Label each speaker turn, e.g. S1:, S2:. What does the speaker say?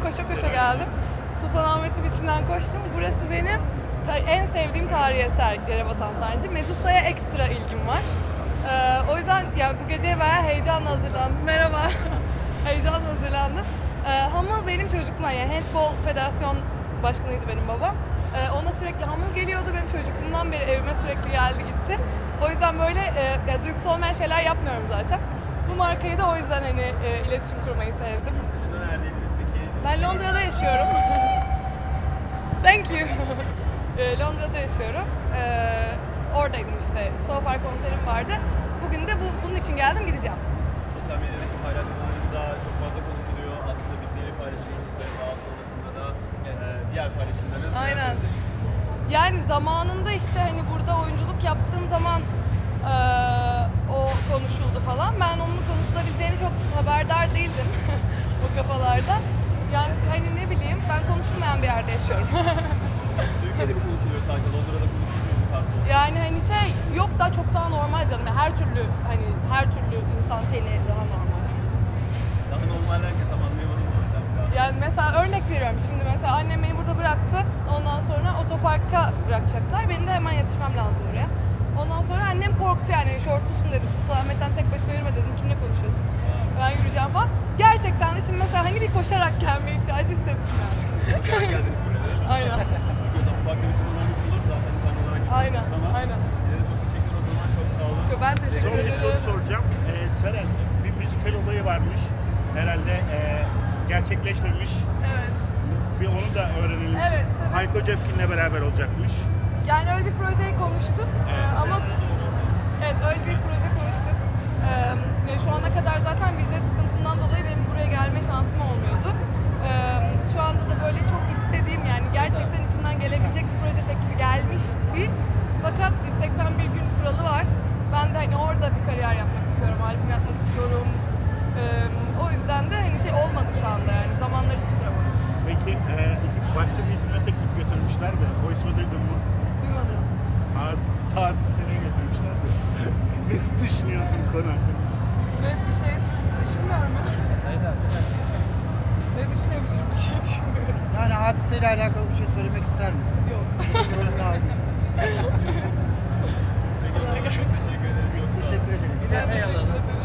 S1: koşa koşa geldim. Sultanahmet'in içinden koştum. Burası benim en sevdiğim tarihi eser Yerebatan Sarnıcı. Medusa'ya ekstra ilgim var. O yüzden yani bu geceye bayağı heyecanla hazırlandım. Merhaba. Heyecanla hazırlandım. Hamıl benim çocukluğumdan, yani Handball Federasyon Başkanıydı benim babam. Ona sürekli hamıl geliyordu. Benim çocukluğumdan beri evime sürekli geldi gitti. O yüzden böyle yani duygusal olmayan şeyler yapmıyorum zaten. Bu markayı da o yüzden hani iletişim kurmayı sevdim.
S2: Neredeydiniz peki?
S1: Ben Londra'da yaşıyorum. Thank you. Londra'da yaşıyorum. Oradaydım işte. So Far konserim vardı. Bugün de bunun için geldim, gideceğim.
S2: Sosyal medyadaki paylaşımlarınızda çok fazla konuşuluyor. Aslında bitkileri paylaşıyoruz ve daha sonrasında da diğer paylaşımlarınız.
S1: Aynen. Yani zamanında işte hani burada oyunculuk yaptığım zaman o konuşuldu falan. Ben onun konuşulabileceğini çok haberdar değildim o kafalarda. Yani hani ne bileyim, ben konuşulmayan bir yerde yaşıyorum.
S2: Türkiye'de mi konuşuluyor sanki? Londra'da konuşuluyor mu tarzı?
S1: Yani hani şey yok, daha çok daha normal canım. Yani her türlü insan teni daha normal.
S2: Daha normal herkes tam anlayamadım mı?
S1: Yani mesela örnek veriyorum, şimdi mesela annem beni burada bıraktı. Ondan sonra otoparka bırakacaklar. Benim de hemen yetişmem lazım buraya. Ondan sonra annem korktu, yani şortlusun dedi. Sultanahmet'ten tek başına yürüme dedim. Kimle konuşuyorsun? Ben yürüyeceğim falan. Gerçekten de şimdi mesela hani bir koşarak gelme ihtiyacı hissettim yani.
S2: Koşarak geldiniz buraya değil mi?
S1: Aynen.
S2: Ufak bir sorun olmuş olur zaten sen olarak
S1: Aynen,
S2: ama
S1: aynen.
S2: yine de çok teşekkür o zaman, çok sağ olun.
S1: Çok ben teşekkür
S3: Son bir
S1: ederim.
S3: soru soracağım. Seren, bir müzikal olayı varmış. Herhalde gerçekleşmemiş.
S1: Evet.
S3: Bir onu da öğrenelim.
S1: Evet, tabii.
S3: Hayko Cepkin'le beraber olacakmış.
S1: Yani öyle bir projeyi konuştuk ama evet, öyle bir proje konuştuk. Yani şu ana kadar zaten vize sıkıntımdan dolayı benim buraya gelme şansım olmuyordu. Şu anda da böyle çok istediğim, yani gerçekten içinden gelebilecek bir proje teklifi gelmişti. Fakat 181 gün kuralı var. Ben de hani orada bir kariyer yapmak istiyorum, albüm yapmak istiyorum. O yüzden de hani şey olmadı şu anda, yani zamanları tutturamadım.
S3: Peki başka bir ismine teklif götürmüşler de o ismi duydun mu?
S1: Duymadım.
S3: Hadise'ne götürmüşler de. Ne düşünüyorsun konu hakkında?
S1: Ve bir şey düşünmüyorum ben. Ne düşünebilirim, bir şey düşünmüyorum.
S4: Yani hadiseyle alakalı bir şey söylemek ister misin?
S1: Yok.
S4: Yorumunu aldıysa.
S2: Peki o zaman çok teşekkür ederim. Çok sağ olun.
S4: Teşekkür ederiz.
S1: Ben teşekkür ederim.